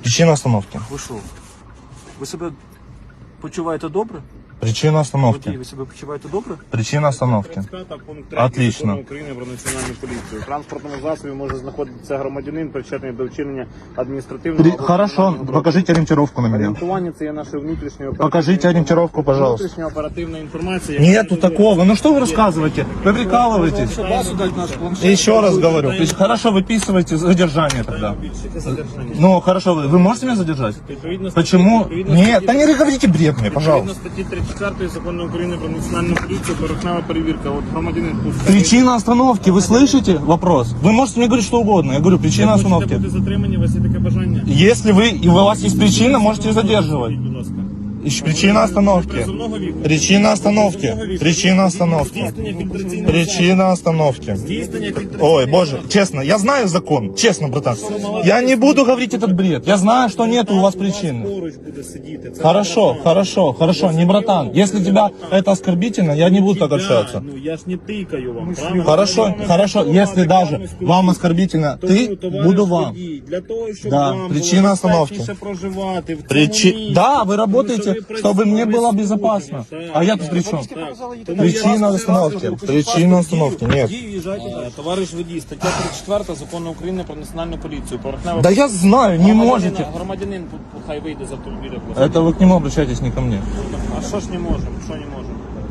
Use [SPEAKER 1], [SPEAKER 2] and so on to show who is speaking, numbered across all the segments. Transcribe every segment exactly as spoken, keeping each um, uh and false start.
[SPEAKER 1] Причина остановки.
[SPEAKER 2] Ви що? Ви себе почуваєте добре?
[SPEAKER 1] Причина остановки.
[SPEAKER 2] Водій, ви себе почуваєте добре?
[SPEAKER 1] Причина остановки.
[SPEAKER 3] тридцять п'ять пункт три
[SPEAKER 1] Отлично.
[SPEAKER 3] Закону України про національну поліцію. В транспортному засобі може знаходитися громадянин, причетний до вчинення адміністративного...
[SPEAKER 1] При...
[SPEAKER 3] або
[SPEAKER 1] Хорошо,
[SPEAKER 3] кримінального
[SPEAKER 1] покажите ориентировку на меня.
[SPEAKER 3] Орієнтування – це є нашою внутрішньою
[SPEAKER 1] Покажите ориентировку, пожалуйста.
[SPEAKER 3] Внутрішня оперативна інформація. яка
[SPEAKER 1] Нету такого. Ну что вы рассказываете? Вы прикалываетесь.
[SPEAKER 2] Базу дать наш планшет.
[SPEAKER 1] Еще раз говорю. Хорошо, выписывайте задержание тогда. Ну, хорошо, вы, вы можете меня задержать?
[SPEAKER 3] Відповідно статті-
[SPEAKER 1] Почему?
[SPEAKER 3] відповідно
[SPEAKER 1] Нет,
[SPEAKER 3] статті-
[SPEAKER 1] да не говорите бред мне,
[SPEAKER 3] Відповідно
[SPEAKER 1] пожалуйста.
[SPEAKER 3] статті тридцять четвертої Закону України про національну поліцію, порухнева перевірка. От громадянин пускає.
[SPEAKER 1] Причина остановки, вы слышите вопрос? Вы можете мне говорить что угодно. Я говорю, причина
[SPEAKER 3] Хочете
[SPEAKER 1] остановки.
[SPEAKER 3] бути затримані, у вас є таке бажання?
[SPEAKER 1] Если вы, и у вас есть причина, можете задерживать.
[SPEAKER 3] Будь ласка.
[SPEAKER 1] Ищ- Причина остановки.
[SPEAKER 3] Призовного віку.
[SPEAKER 1] Причина остановки. Причина остановки.
[SPEAKER 3] Здійснення фільтраційного
[SPEAKER 1] Причина остановки.
[SPEAKER 3] Здійснення фільтраційного
[SPEAKER 1] Ой, боже, честно, я знаю закон, честно, братан. Я не буду говорить этот бред. Я знаю, что нет у вас причины.
[SPEAKER 3] поруч буде сидіти. Це
[SPEAKER 1] Хорошо,
[SPEAKER 3] не
[SPEAKER 1] хорошо, хорошо, не братан. Если тебя это оскорбительно, я не буду так
[SPEAKER 3] братан.
[SPEAKER 1] общаться.
[SPEAKER 3] Ну я ж не тикаю вам. правильно?
[SPEAKER 1] Хорошо,
[SPEAKER 3] Я вам
[SPEAKER 1] хорошо,
[SPEAKER 3] спілкуватися,
[SPEAKER 1] если
[SPEAKER 3] я
[SPEAKER 1] даже
[SPEAKER 3] вам
[SPEAKER 1] вам
[SPEAKER 3] спілкуюся.
[SPEAKER 1] оскорбительно,
[SPEAKER 3] Тому,
[SPEAKER 1] ты,
[SPEAKER 3] товариш
[SPEAKER 1] буду вам.
[SPEAKER 3] водій, для того, щоб
[SPEAKER 1] Да,
[SPEAKER 3] вам
[SPEAKER 1] причина
[SPEAKER 3] було
[SPEAKER 1] остановки.
[SPEAKER 3] безпечніше проживати в цьому
[SPEAKER 1] Причи...
[SPEAKER 3] місці.
[SPEAKER 1] Да, вы
[SPEAKER 3] Тому
[SPEAKER 1] работаете,
[SPEAKER 3] що ви
[SPEAKER 1] чтобы мне было
[SPEAKER 3] працюєте
[SPEAKER 1] безопасно.
[SPEAKER 3] так,
[SPEAKER 1] А я тут
[SPEAKER 3] так,
[SPEAKER 1] при чем?
[SPEAKER 3] так. Тому
[SPEAKER 1] Причина
[SPEAKER 3] я вас
[SPEAKER 1] остановки.
[SPEAKER 3] покажу
[SPEAKER 1] Причина остановки. Нет.
[SPEAKER 2] Водій, в'їжджайте далі.
[SPEAKER 3] Е, Товариш водій, стаття тридцять четверта Закону України про національну поліцію. Поверхнева
[SPEAKER 1] Да я знаю, не
[SPEAKER 3] Громадянин-
[SPEAKER 1] можете.
[SPEAKER 3] Громадянин тут хай вийде з автомобіля. будь ласка.
[SPEAKER 1] Это вы к нему обращайтесь, не ко мне.
[SPEAKER 3] А що ж не можемо? Що не можемо?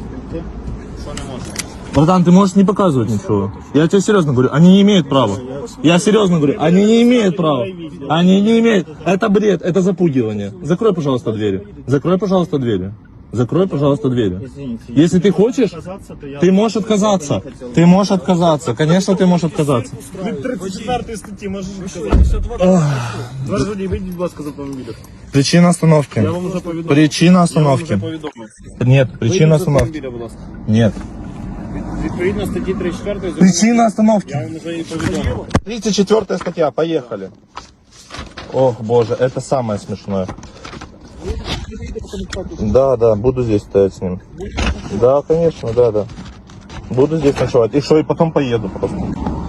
[SPEAKER 3] Що не можемо?
[SPEAKER 1] Братан, ты можешь не показывать ничего. Я тебе серьезно говорю, они не имеют права. Я серьезно говорю, они не имеют права. Они не имеют. Это бред, это запугивание. Закрой, пожалуйста, двери. Закрой, пожалуйста, двери. Закрой, пожалуйста, двери. Если ты хочешь, ты можешь отказаться. Ты можешь отказаться. Конечно, ты можешь отказаться.
[SPEAKER 3] Від тридцять четвертої статті можеш сказати. Товариш водій, вийдіть, будь ласка, з автомобіля.
[SPEAKER 1] Причина остановки.
[SPEAKER 3] Я вам вже повідомив.
[SPEAKER 1] Причина
[SPEAKER 3] Я вам вже
[SPEAKER 1] остановки.
[SPEAKER 3] повідомив.
[SPEAKER 1] Нет,
[SPEAKER 3] Вийдіть
[SPEAKER 1] причина
[SPEAKER 3] з
[SPEAKER 1] остановки.
[SPEAKER 3] автомобіля, будь ласка.
[SPEAKER 1] Нет.
[SPEAKER 3] Відповідно статті тридцять четвертої Закону-
[SPEAKER 1] Причина
[SPEAKER 3] Я
[SPEAKER 1] остановки.
[SPEAKER 3] вам вже її повідомив.
[SPEAKER 1] тридцать четвёртая статья, поехали. Ох, боже, это самое смешное. Да, да, буду здесь стоять с ним. Да, конечно, да, да. Буду здесь ночевать. И что, и потом поеду просто.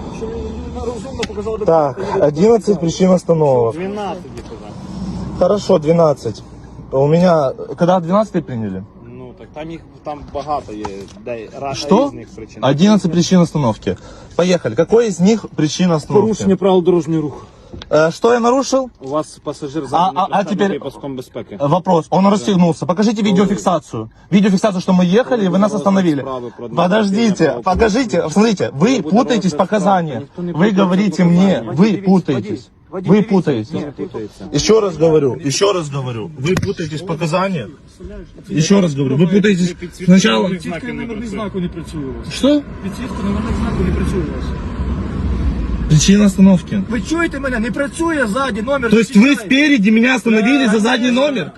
[SPEAKER 1] Так, одиннадцать причин остановок.
[SPEAKER 3] дванадцять, я казав.
[SPEAKER 1] Хорошо, двенадцать. У меня... Когда двенадцать приняли?
[SPEAKER 3] Ну, так там їх там багато є де, ра-
[SPEAKER 1] Что?
[SPEAKER 3] різних причин.
[SPEAKER 1] одиннадцать причин остановки. Поехали. Какой из них причина остановки?
[SPEAKER 2] Порушення правил дорожнього руху.
[SPEAKER 1] Э, что я нарушил?
[SPEAKER 2] У вас пасажир
[SPEAKER 1] А,
[SPEAKER 2] задній
[SPEAKER 1] а, а теперь
[SPEAKER 3] Паском безпеки.
[SPEAKER 1] вопрос. Он расстегнулся. Покажите видеофиксацию. Видеофиксацию, что мы ехали, и вы нас остановили. Подождите, покажите. Смотрите, вы путаетесь показания. Вы говорите мне, вы путаетесь. Вы путаетесь. Еще раз говорю, еще раз говорю, вы путаетесь показания. Еще раз говорю, вы путаетесь. Сначала...
[SPEAKER 2] Підсвітка номерних знаку не працює у вас.
[SPEAKER 1] Что?
[SPEAKER 2] Підсвітка номерних знаку не працює у вас.
[SPEAKER 1] Причина остановки.
[SPEAKER 2] Ви чуєте мене? Не працює ззаді номер.
[SPEAKER 1] То есть вы спереди меня остановили за задний номер?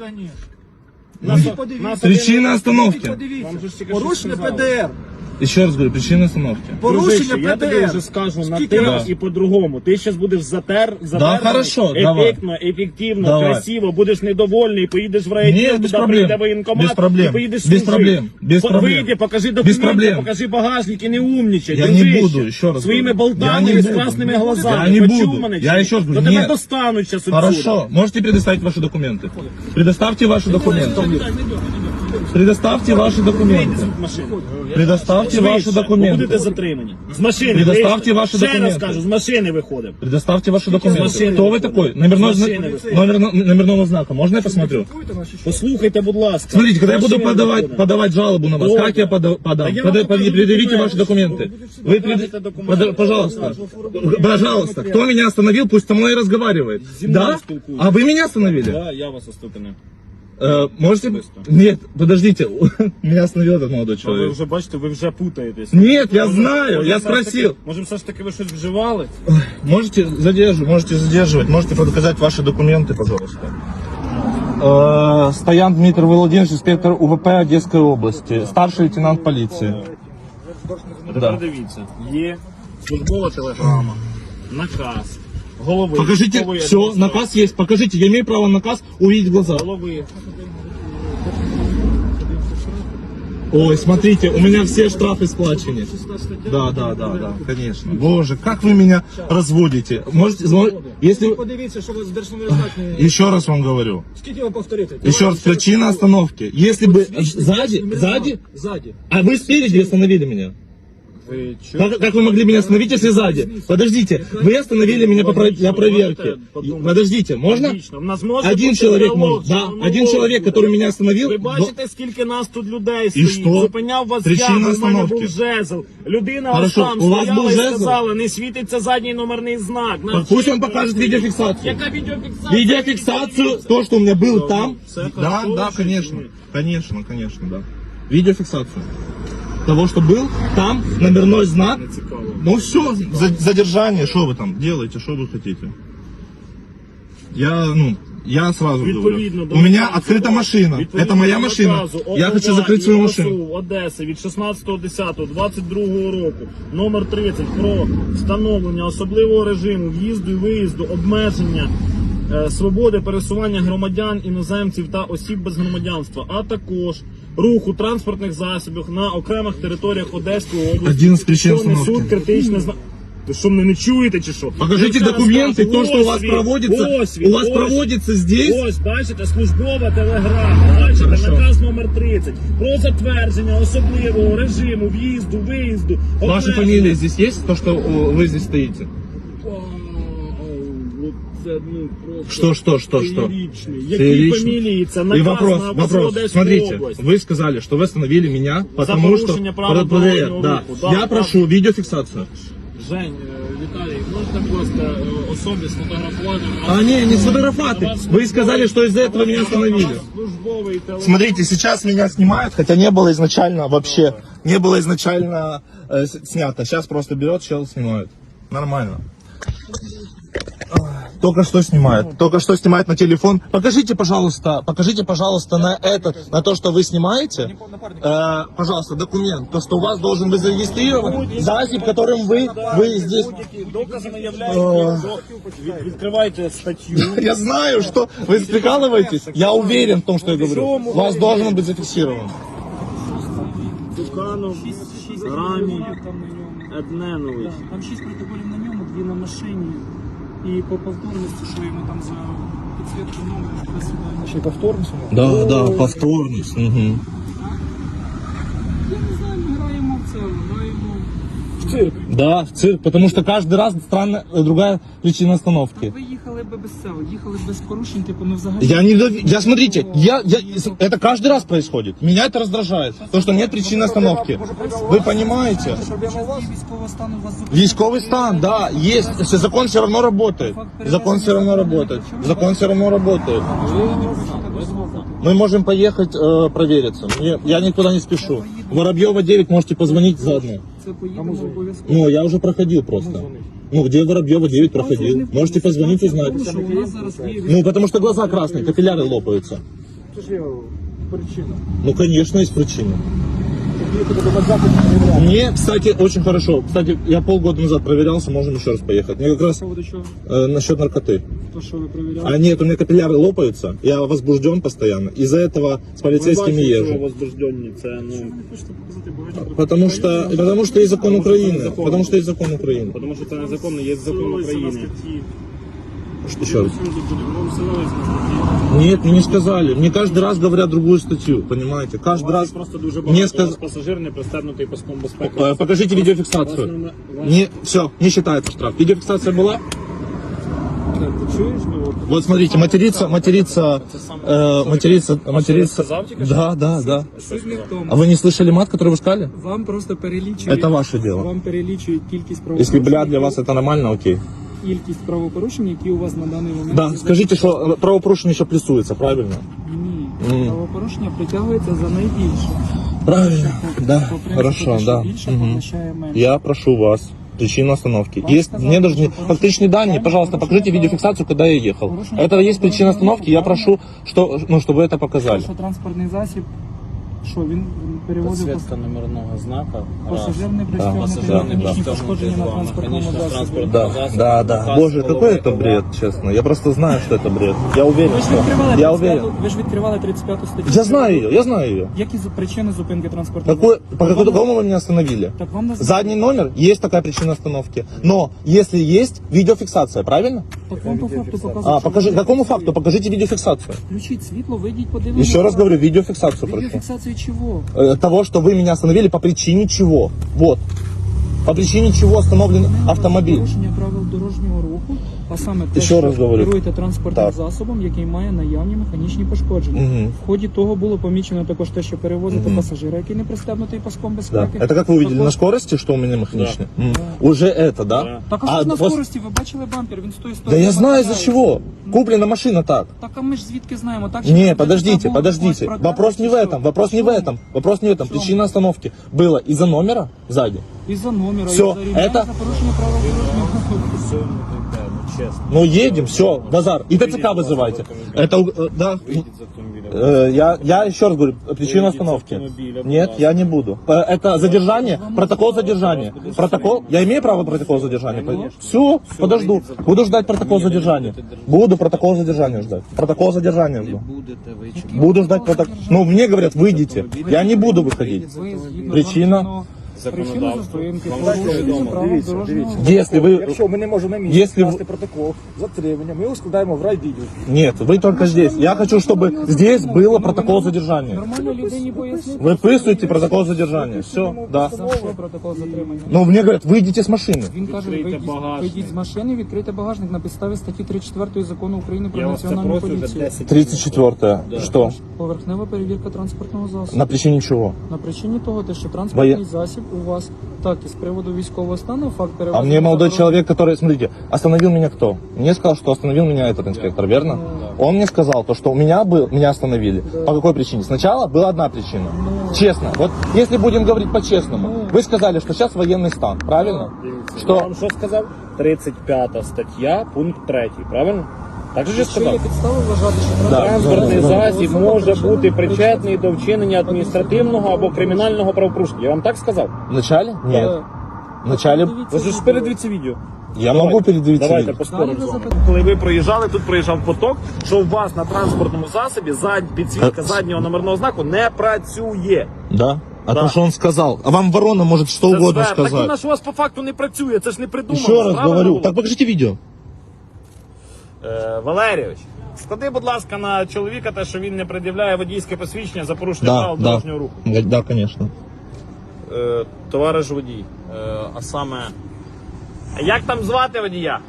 [SPEAKER 2] Нас подивіться.
[SPEAKER 1] Причина остановки.
[SPEAKER 2] Подивіться.
[SPEAKER 3] Вам же ж тільки що
[SPEAKER 2] Порушення
[SPEAKER 3] сказали.
[SPEAKER 2] ПДР.
[SPEAKER 1] Еще раз говорю, причина остановки.
[SPEAKER 2] Порушення
[SPEAKER 3] Дружище, я тобі
[SPEAKER 2] ПДР.
[SPEAKER 3] вже скажу на
[SPEAKER 2] Скільки
[SPEAKER 3] ти
[SPEAKER 2] раз?
[SPEAKER 3] і по-другому. Ти зараз будеш затер, затерпаний,
[SPEAKER 1] хорошо, давай.
[SPEAKER 3] ефектно, ефективно,
[SPEAKER 1] Давай.
[SPEAKER 3] красиво, будеш недовольний, поїдеш в райвідділ,
[SPEAKER 1] Ні, без
[SPEAKER 3] туди
[SPEAKER 1] проблем.
[SPEAKER 3] прийде воєнкомат,
[SPEAKER 1] Без проблем.
[SPEAKER 3] і поїдеш
[SPEAKER 1] Без
[SPEAKER 3] служити.
[SPEAKER 1] проблем. Без
[SPEAKER 3] По-
[SPEAKER 1] проблем.
[SPEAKER 3] Вийди, покажи
[SPEAKER 1] Без
[SPEAKER 3] документи,
[SPEAKER 1] проблем.
[SPEAKER 3] покажи багажник і не умнічай.
[SPEAKER 1] Я
[SPEAKER 3] дружище.
[SPEAKER 1] не буду, еще раз
[SPEAKER 3] Своїми
[SPEAKER 1] говорю.
[SPEAKER 3] болтами
[SPEAKER 1] Я не
[SPEAKER 3] з
[SPEAKER 1] буду.
[SPEAKER 3] красними глазами.
[SPEAKER 1] Я не
[SPEAKER 3] Почув
[SPEAKER 1] буду.
[SPEAKER 3] мене,
[SPEAKER 1] Я
[SPEAKER 3] чи ні?
[SPEAKER 1] еще раз говорю,
[SPEAKER 3] То тебе
[SPEAKER 1] нет.
[SPEAKER 3] достануть зараз
[SPEAKER 1] Хорошо, можете предоставить ваши документы. Предоставьте ваши документы. Предоставьте ваши документы. Предоставьте ваши
[SPEAKER 3] Будете
[SPEAKER 1] документы.
[SPEAKER 3] затримані. З машини
[SPEAKER 1] Предоставте
[SPEAKER 3] вийшли.
[SPEAKER 1] ваші
[SPEAKER 3] Ще раз
[SPEAKER 1] документи.
[SPEAKER 3] кажу, з машини виходимо.
[SPEAKER 1] Предоставьте ваши
[SPEAKER 3] С
[SPEAKER 1] документы.
[SPEAKER 3] машины
[SPEAKER 1] Кто вы
[SPEAKER 3] выходит.
[SPEAKER 1] такой? Номерной
[SPEAKER 3] С
[SPEAKER 1] зна-
[SPEAKER 3] машины выходит.
[SPEAKER 1] номер, номерного знака. Можно я посмотрю?
[SPEAKER 3] Послухайте, будь ласка.
[SPEAKER 1] Смотрите, когда я
[SPEAKER 3] З
[SPEAKER 1] буду
[SPEAKER 3] машини
[SPEAKER 1] подавать,
[SPEAKER 3] виходимо.
[SPEAKER 1] подавать жалобу на вас,
[SPEAKER 3] Добре.
[SPEAKER 1] как я пода- подам?
[SPEAKER 3] Да я
[SPEAKER 1] Пода-
[SPEAKER 3] вам покажу
[SPEAKER 1] предъявите
[SPEAKER 3] документы.
[SPEAKER 1] ваши документы. Вы
[SPEAKER 3] покажете
[SPEAKER 1] пред-
[SPEAKER 3] документы.
[SPEAKER 1] пода- Пожалуйста. Пожалуйста. Кто меня остановил, пусть со мной разговаривает.
[SPEAKER 3] Зі мною
[SPEAKER 1] Да?
[SPEAKER 3] спілкуйтесь.
[SPEAKER 1] А вы меня остановили?
[SPEAKER 3] Да, я вас оступив.
[SPEAKER 1] Э, можете...
[SPEAKER 3] Особисто.
[SPEAKER 1] Нет, подождите. Меня остановил этот молодой
[SPEAKER 3] Ви
[SPEAKER 1] человек.
[SPEAKER 3] вже бачите, ви вже путаєтесь.
[SPEAKER 1] Нет, я
[SPEAKER 3] Може,
[SPEAKER 1] знаю,
[SPEAKER 3] може,
[SPEAKER 1] я
[SPEAKER 3] все ж таки-
[SPEAKER 1] спросил.
[SPEAKER 3] Може, все ж таки ви щось вживали?
[SPEAKER 1] Можете задерживать, можете задерживать, можете показать ваши документы, пожалуйста. Э, Стоян Дмитрий Владимирович, инспектор УВП Одесской области, старший лейтенант полиции.
[SPEAKER 3] Тепер
[SPEAKER 1] Да.
[SPEAKER 3] дивіться, є службова телеграма, наказ, голови.
[SPEAKER 1] Покажите,
[SPEAKER 3] військової
[SPEAKER 1] все,
[SPEAKER 3] адміністрації.
[SPEAKER 1] наказ есть, покажите, я имею право на наказ увидеть в глаза.
[SPEAKER 3] Голови.
[SPEAKER 1] Ой, смотрите, у меня все штрафы сплачены. Да, да, да, да, конечно. Боже, как вы меня разводите. Можете, змо- если...
[SPEAKER 2] Подивіться, що у вас державний знак не...
[SPEAKER 1] Еще раз вам говорю.
[SPEAKER 2] Скільки вам повторити?
[SPEAKER 1] Еще раз, причина остановки. Если бы сзади, сзади,
[SPEAKER 2] Ззаді.
[SPEAKER 1] а вы спереди остановили меня.
[SPEAKER 2] Ви чо?
[SPEAKER 1] Как, как вы могли меня остановить, если сзади? Подождите, вы остановили меня по про- для проверки. Подождите, можно?
[SPEAKER 3] Логічно. В нас може
[SPEAKER 1] Один
[SPEAKER 3] бути
[SPEAKER 1] человек
[SPEAKER 3] діалог,
[SPEAKER 1] может. Да,
[SPEAKER 3] шановний
[SPEAKER 1] один человек,
[SPEAKER 3] Володимир.
[SPEAKER 1] который меня остановил.
[SPEAKER 3] Ви
[SPEAKER 1] до-
[SPEAKER 3] бачите, скільки нас тут людей
[SPEAKER 1] І
[SPEAKER 3] стоїть.
[SPEAKER 1] що?
[SPEAKER 3] Зупиняв вас
[SPEAKER 1] Причина
[SPEAKER 3] я, бо в мене
[SPEAKER 1] остановки.
[SPEAKER 3] був жезл. Людина ось
[SPEAKER 1] Хорошо,
[SPEAKER 3] там
[SPEAKER 1] у вас
[SPEAKER 3] стояла
[SPEAKER 1] був
[SPEAKER 3] і
[SPEAKER 1] жезл?
[SPEAKER 3] сказала, не світиться задній номерний знак.
[SPEAKER 1] Так Пусть он покажет видеофиксацию.
[SPEAKER 3] Яка відеофіксація?
[SPEAKER 1] Видеофиксацию, то, что у меня был там.
[SPEAKER 3] Все
[SPEAKER 1] Да,
[SPEAKER 3] хорошо,
[SPEAKER 1] да,
[SPEAKER 3] все
[SPEAKER 1] конечно.
[SPEAKER 3] ні.
[SPEAKER 1] Конечно, конечно, да. Видеофиксацию. Того, что был там, номерной знак.
[SPEAKER 3] Цікаво.
[SPEAKER 1] Ну все, задержание, что вы там делаете, что вы хотите? Я, ну, я сразу
[SPEAKER 3] Відповідно
[SPEAKER 1] говорю.
[SPEAKER 3] до
[SPEAKER 1] У меня
[SPEAKER 3] наказу,
[SPEAKER 1] открыта машина.
[SPEAKER 3] відповідно
[SPEAKER 1] Это моя
[SPEAKER 3] до
[SPEAKER 1] машина.
[SPEAKER 3] наказу
[SPEAKER 1] Я
[SPEAKER 3] ОВА
[SPEAKER 1] хочу закрыть свою
[SPEAKER 3] і
[SPEAKER 1] машину.
[SPEAKER 3] ОСУ Одеси від шістнадцятого десятого двадцять другого року, номер тридцять, про встановлення особливого режиму в'їзду і виїзду, обмеження е, свободи пересування громадян, іноземців та осіб без громадянства, а також руху транспортних засобів на окремих територіях Одеської області,
[SPEAKER 1] Один з причин
[SPEAKER 3] що несуть
[SPEAKER 1] остановки.
[SPEAKER 3] критичне зна... Ви що, мене не чуєте чи що?
[SPEAKER 1] Покажите
[SPEAKER 3] Я ще раз
[SPEAKER 1] документы,
[SPEAKER 3] кажу,
[SPEAKER 1] то, что у вас
[SPEAKER 3] ось він,
[SPEAKER 1] проводится,
[SPEAKER 3] ось він,
[SPEAKER 1] у вас
[SPEAKER 3] ось
[SPEAKER 1] проводится здесь.
[SPEAKER 3] Ось, бачите, службова телеграма, бачите,
[SPEAKER 1] Хорошо.
[SPEAKER 3] наказ номер тридцять про затвердження особливого режиму в'їзду, виїзду.
[SPEAKER 1] Ваши
[SPEAKER 3] обмеження.
[SPEAKER 1] фамилии здесь есть? То, что о, вы здесь стоите?
[SPEAKER 3] О, о, от це, ну, просто
[SPEAKER 1] Что, что, что, что?
[SPEAKER 3] феєричний. Які
[SPEAKER 1] Феєричний.
[SPEAKER 3] фамілії? Це
[SPEAKER 1] И
[SPEAKER 3] наказ
[SPEAKER 1] вопрос,
[SPEAKER 3] на
[SPEAKER 1] вопрос.
[SPEAKER 3] Одеську
[SPEAKER 1] Смотрите,
[SPEAKER 3] область.
[SPEAKER 1] вы сказали, что вы остановили меня, потому что...
[SPEAKER 3] порушение правил
[SPEAKER 1] Под- под-
[SPEAKER 3] дорожного
[SPEAKER 1] да.
[SPEAKER 3] руху. Да,
[SPEAKER 1] Я
[SPEAKER 3] да.
[SPEAKER 1] прошу видеофиксацию.
[SPEAKER 3] Жень, е, Віталій, можете, будь ласка, е, особі сфотографувати?
[SPEAKER 1] А не, не сфотографаты. Вы сказали, что из-за этого меня остановили.
[SPEAKER 3] Службовий телефон.
[SPEAKER 1] Смотрите, сейчас меня снимают, хотя не было изначально вообще, не было изначально э, с- снято. Сейчас просто берет, чел снимает. Нормально. Только что снимает, только что снимает на телефон. Покажите, пожалуйста, покажите, пожалуйста, на этот, на то, что вы снимаете, э, пожалуйста, документ, то, что у вас должен быть зарегистрирован засіб, которым вы, вы здесь.
[SPEAKER 3] Будь-які доказами являються. Від- Відкривайте статтю.
[SPEAKER 1] Я знаю, что вы прикалываетесь. Я уверен в том, что я говорю. У вас должен быть зафиксирован.
[SPEAKER 3] Туканов, Рамі, Едненович.
[SPEAKER 4] Там шість протоколів на ньому, дві на машині. І по повторності, що йому там за підсвітку номеру присудили.
[SPEAKER 2] Ще й повторність?
[SPEAKER 1] Да, да, повторность. Угу.
[SPEAKER 4] Я не знаю, ми граємо в це, граємо.
[SPEAKER 2] В цирк.
[SPEAKER 1] Да, в цирк, потому что каждый раз странная э, другая причина остановки.
[SPEAKER 4] Ви їхали би без цього, їхали без порушень, типу, ну взагалі.
[SPEAKER 1] Я не дови- я смотрите, я, я, это каждый раз происходит. Меня это раздражает, то что нет причины остановки. Вы понимаете?
[SPEAKER 4] Проблема у вас? Військового стану у вас зупинили.
[SPEAKER 1] Військовый стан, да, есть. Закон все равно работает. Закон все равно работает. Закон все равно работает. Мы можем поехать э, провериться. Мне- я никуда не спешу. Воробьева девять, можете позвонить заодно.
[SPEAKER 4] Це поїдемо обов'язково.
[SPEAKER 1] Ну, я уже проходил просто. Ну, где Воробьева девять проходил. Можете позвонить, узнать.
[SPEAKER 4] Тому що у нас зараз є
[SPEAKER 1] Ну, потому что глаза красные, капилляры лопаются.
[SPEAKER 2] Це ж є причина.
[SPEAKER 1] Ну, конечно, есть причина.
[SPEAKER 2] Їхати до вокзалу не перевіряти.
[SPEAKER 1] Мне, кстати, очень хорошо. Кстати, я полгода назад проверялся, можем еще раз поехать. Мне как раз
[SPEAKER 4] по поводу чого?
[SPEAKER 1] э, насчет наркоты.
[SPEAKER 4] То, що ви перевіряли.
[SPEAKER 1] А нет, у меня капилляры лопаются, я возбужден постоянно. Из-за этого с полицейскими
[SPEAKER 3] Що
[SPEAKER 1] езжу.
[SPEAKER 3] возбуждені, це, ну...
[SPEAKER 4] Ви хочете показати багато.
[SPEAKER 1] Потому что, потому что есть закон Украины. Потому что есть закон Украины.
[SPEAKER 3] Тому що це незаконно, є закон України.
[SPEAKER 1] Еще раз. Нет, мне не сказали. Мне каждый раз говорят другую статью, понимаете? Каждый раз.
[SPEAKER 3] Просто дуже
[SPEAKER 1] Мне
[SPEAKER 3] багато
[SPEAKER 1] сказ...
[SPEAKER 3] пасажир не пристебнутий паском безпеки.
[SPEAKER 1] Э, Покажите видеофиксацию. Не, все, не считается штраф. Видеофиксация была?
[SPEAKER 3] Ти чуєш? Ну, от,
[SPEAKER 1] Вот смотрите, материться, материться, э, материться, материться.
[SPEAKER 3] сказал тебе, что?
[SPEAKER 1] Да, да, да.
[SPEAKER 4] Суть не в тому.
[SPEAKER 1] А вы не слышали мат, который вы сказали?
[SPEAKER 4] Вам просто перелічують.
[SPEAKER 1] Это ваше дело.
[SPEAKER 4] Вам перелічують кількість
[SPEAKER 1] Если,
[SPEAKER 4] правопорушень.
[SPEAKER 1] бля, для вас это нормально, окей.
[SPEAKER 4] Кількість правопорушень, які у вас на даний момент.
[SPEAKER 1] Да,
[SPEAKER 4] є
[SPEAKER 1] скажите, что правопорушение еще плюсуется, правильно?
[SPEAKER 4] Ні.
[SPEAKER 1] М.
[SPEAKER 4] Правопорушення притягується за найбільше.
[SPEAKER 1] Правильно, да,
[SPEAKER 4] По принципу,
[SPEAKER 1] хорошо,
[SPEAKER 4] те, що
[SPEAKER 1] да.
[SPEAKER 4] більше,
[SPEAKER 1] Мгм.
[SPEAKER 4] поглощає менше.
[SPEAKER 1] Я прошу вас. Причина остановки.
[SPEAKER 4] Вам
[SPEAKER 1] Есть,
[SPEAKER 4] сказали,
[SPEAKER 1] мне должны
[SPEAKER 4] что порушение-
[SPEAKER 1] фактичные данные,
[SPEAKER 4] Вам
[SPEAKER 1] пожалуйста, покажите
[SPEAKER 4] порушение
[SPEAKER 1] видеофиксацию, когда я ехал.
[SPEAKER 4] Порушение
[SPEAKER 1] Это есть причина
[SPEAKER 4] дорожнього
[SPEAKER 1] остановки, я
[SPEAKER 4] руху,
[SPEAKER 1] прошу, что, ну, чтобы вы это показали.
[SPEAKER 4] Що транспортний засіб, що він перевозив
[SPEAKER 5] Підсвітка номерного знака. Раз.
[SPEAKER 4] пасажир не
[SPEAKER 1] Да,
[SPEAKER 4] пристебнутий,
[SPEAKER 1] пасажир не
[SPEAKER 4] механічні
[SPEAKER 5] пристебнутий,
[SPEAKER 4] пошкодження на
[SPEAKER 5] два.
[SPEAKER 4] транспортному
[SPEAKER 5] Механічний
[SPEAKER 4] засобі.
[SPEAKER 5] транспорт.
[SPEAKER 1] Да,
[SPEAKER 5] Засоб,
[SPEAKER 1] да, да.
[SPEAKER 5] показ
[SPEAKER 1] Боже, какой
[SPEAKER 5] голови,
[SPEAKER 1] это
[SPEAKER 5] голова.
[SPEAKER 1] бред, честно. Я просто знаю, что это бред. Я уверен,
[SPEAKER 4] Ви ж
[SPEAKER 1] что...
[SPEAKER 4] відкривали
[SPEAKER 1] Я
[SPEAKER 4] тридцять
[SPEAKER 1] уверен.
[SPEAKER 4] п'яту ви ж відкривали тридцять п'яту статтю.
[SPEAKER 1] Я знаю ее, я знаю ее.
[SPEAKER 4] Які за- причини зупинки транспортного
[SPEAKER 1] Какой,
[SPEAKER 4] засобу?
[SPEAKER 1] по
[SPEAKER 4] Так вам-
[SPEAKER 1] какому вы меня остановили?
[SPEAKER 4] Так вам називають.
[SPEAKER 1] Задний номер, есть такая причина остановки. Но если есть видеофиксация, правильно?
[SPEAKER 4] Так вам по факту показують.
[SPEAKER 1] А,
[SPEAKER 4] що
[SPEAKER 1] покажи,
[SPEAKER 4] ви
[SPEAKER 1] какому
[SPEAKER 4] фіксуєте.
[SPEAKER 1] факту? Покажите видеофиксацию.
[SPEAKER 4] Включіть світло, вийдіть, подивіться.
[SPEAKER 1] Еще раз говорю, видеофиксацию прошу.
[SPEAKER 4] Відеофіксацію чого?
[SPEAKER 1] Э, Того, что вы меня остановили по причине чего. Вот. По причине чего остановлен автомобиль.
[SPEAKER 4] Порушення правил дорожнього руху, а саме те,
[SPEAKER 1] Ще
[SPEAKER 4] що
[SPEAKER 1] раз говорю.
[SPEAKER 4] керуєте транспортним
[SPEAKER 1] Так.
[SPEAKER 4] засобом, який має наявні механічні пошкодження.
[SPEAKER 1] Мгм.
[SPEAKER 4] В ході того було помічено також те, що перевозите
[SPEAKER 1] Мгм.
[SPEAKER 4] пасажира, який не пристебнутий паском
[SPEAKER 1] Да.
[SPEAKER 4] безпеки.
[SPEAKER 1] Это как вы увидели
[SPEAKER 4] Також-
[SPEAKER 1] на скорости, что у меня механичный? М. Уже это, да?
[SPEAKER 5] Да.
[SPEAKER 4] Так, а що ж на
[SPEAKER 1] пос-
[SPEAKER 4] скорості? Ви бачили бампер, він з тої
[SPEAKER 1] Да
[SPEAKER 4] сторони.
[SPEAKER 1] я знаю из-за
[SPEAKER 4] виглядає.
[SPEAKER 1] чего. Куплена машина так.
[SPEAKER 4] Так, а ми ж звідки знаємо? Так, що
[SPEAKER 1] Не,
[SPEAKER 4] ви
[SPEAKER 1] подождите,
[SPEAKER 4] забули
[SPEAKER 1] подождите.
[SPEAKER 4] когось про
[SPEAKER 1] Вопрос
[SPEAKER 4] те,
[SPEAKER 1] не в
[SPEAKER 4] чи
[SPEAKER 1] этом,
[SPEAKER 4] що?
[SPEAKER 1] вопрос не в
[SPEAKER 4] Чому?
[SPEAKER 1] этом. Вопрос не в этом.
[SPEAKER 4] Чому?
[SPEAKER 1] Причина остановки была из-за номера сзади.
[SPEAKER 4] Із-за номера,
[SPEAKER 1] Всьо,
[SPEAKER 4] із-за ремня,
[SPEAKER 1] это-
[SPEAKER 4] за порушення правил дорожнього руху.
[SPEAKER 5] Все, ну, таке, ну, чесно.
[SPEAKER 1] Ну едем, все, базар. И ТЦК вызывайте. Это, э, да.
[SPEAKER 5] Вийдіть з автомобіля.
[SPEAKER 1] Э, Я, я еще раз говорю, причина
[SPEAKER 5] Выйдите из
[SPEAKER 1] остановки.
[SPEAKER 5] автомобиля,
[SPEAKER 1] Нет,
[SPEAKER 5] пожалуйста.
[SPEAKER 1] я не буду. Э, Это задержание, протокол задержания. Протокол, я имею право протокол задержания? Все, подожду. Буду ждать протокол задержания. Буду протокол задержания ждать. Протокол задержания жду.
[SPEAKER 5] Будете ви чекати.
[SPEAKER 1] Буду ждать протокол. Ну, мне говорят, выйдите. Я не буду выходить.
[SPEAKER 4] Ви згідно
[SPEAKER 1] Причина?
[SPEAKER 4] законного- Причина
[SPEAKER 5] Законодавство.
[SPEAKER 4] зупинки,
[SPEAKER 5] Вам
[SPEAKER 4] порушення
[SPEAKER 5] відомо.
[SPEAKER 4] правил
[SPEAKER 6] Дивіться,
[SPEAKER 4] дорожнього
[SPEAKER 6] дивіться.
[SPEAKER 4] руху.
[SPEAKER 1] Если вы...
[SPEAKER 6] Якщо ми не можемо на місці
[SPEAKER 1] Если
[SPEAKER 6] скласти
[SPEAKER 1] в-
[SPEAKER 6] протокол затримання, ми його складаємо в райвідділ.
[SPEAKER 1] Нет, вы только здесь. Я хочу, чтобы здесь было протокол задержания.
[SPEAKER 4] Нормально людині пояснити.
[SPEAKER 1] Выписывайте протокол задержания. Все, да.
[SPEAKER 4] За що протокол затримання?
[SPEAKER 1] Но мне говорят, выйдите с машины.
[SPEAKER 4] Він каже,
[SPEAKER 5] Відкрийте
[SPEAKER 4] вийдіть,
[SPEAKER 5] багажник.
[SPEAKER 4] вийдіть з машини, відкрийте багажник на підставі статті тридцять четвертої закону України про
[SPEAKER 5] Я вас це
[SPEAKER 4] національну
[SPEAKER 5] прошу вже
[SPEAKER 4] поліцію.
[SPEAKER 5] десять.
[SPEAKER 1] тридцать четвёртое. Что?
[SPEAKER 4] Поверхнева перевірка транспортного засобу.
[SPEAKER 1] На причине чего?
[SPEAKER 4] На причині того, те, що транспортний
[SPEAKER 1] Воє-
[SPEAKER 4] засіб у вас так і з приводу військового стану, факт
[SPEAKER 1] А
[SPEAKER 4] перевезення.
[SPEAKER 1] мне молодой
[SPEAKER 4] та
[SPEAKER 1] человек, который, смотрите, остановил меня кто? Мне сказал, что остановил меня этот инспектор, верно? Он мне сказал, то, что у меня был, меня остановили. По какой причине? Сначала была одна причина. Честно. Вот если будем говорить по-честному, вы сказали, что сейчас военный стан, правильно?
[SPEAKER 5] Я
[SPEAKER 1] Что?
[SPEAKER 5] вам що сказав? тридцять п'ята стаття, пункт третій, правильно? Так же ж
[SPEAKER 4] Що є
[SPEAKER 5] сказав?
[SPEAKER 4] підстави вважати, що
[SPEAKER 1] Да.
[SPEAKER 5] Транспортний
[SPEAKER 1] Да.
[SPEAKER 5] засіб може бути причетний до вчинення адміністративного або кримінального правопорушення. Я вам так сказав?
[SPEAKER 1] Вначале? Нет.
[SPEAKER 4] Е,
[SPEAKER 1] Вначале
[SPEAKER 4] подивіться
[SPEAKER 5] Ви ж
[SPEAKER 4] відео.
[SPEAKER 5] передивіться відео.
[SPEAKER 1] я могу передавить.
[SPEAKER 5] Давайте поспоримо
[SPEAKER 4] Далі ви
[SPEAKER 5] з вами.
[SPEAKER 4] запитаєте.
[SPEAKER 2] Коли ви проїжджали, тут проїжджав поток, що у вас на транспортному засобі зад, підсвітка
[SPEAKER 1] Е,
[SPEAKER 2] заднього номерного знаку не працює.
[SPEAKER 1] Да? А
[SPEAKER 2] Да.
[SPEAKER 1] то, что он сказал. А вам ворона может что
[SPEAKER 2] Це
[SPEAKER 1] угодно
[SPEAKER 2] звер. Так
[SPEAKER 1] сказать.
[SPEAKER 2] вона ж у вас по факту не працює, це ж не придумано.
[SPEAKER 1] Еще раз
[SPEAKER 2] правильно
[SPEAKER 1] говорю.
[SPEAKER 2] було?
[SPEAKER 1] Так покажите видео.
[SPEAKER 2] Е, Валерійович, склади, будь ласка, на чоловіка те, що він не пред'являє водійське посвідчення за порушення
[SPEAKER 1] Да,
[SPEAKER 2] правил
[SPEAKER 1] да.
[SPEAKER 2] дорожнього руху.
[SPEAKER 1] Да, конечно.
[SPEAKER 2] Е, Товариш водій, е, а саме. Як там звати водія?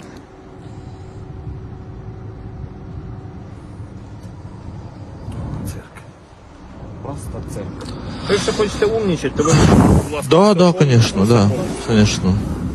[SPEAKER 2] Цирк. Просто цирк. Ви ще хочете умнічати, то ви, будь ласка,
[SPEAKER 1] Да, да,
[SPEAKER 2] телефон,
[SPEAKER 1] конечно, да, конечно.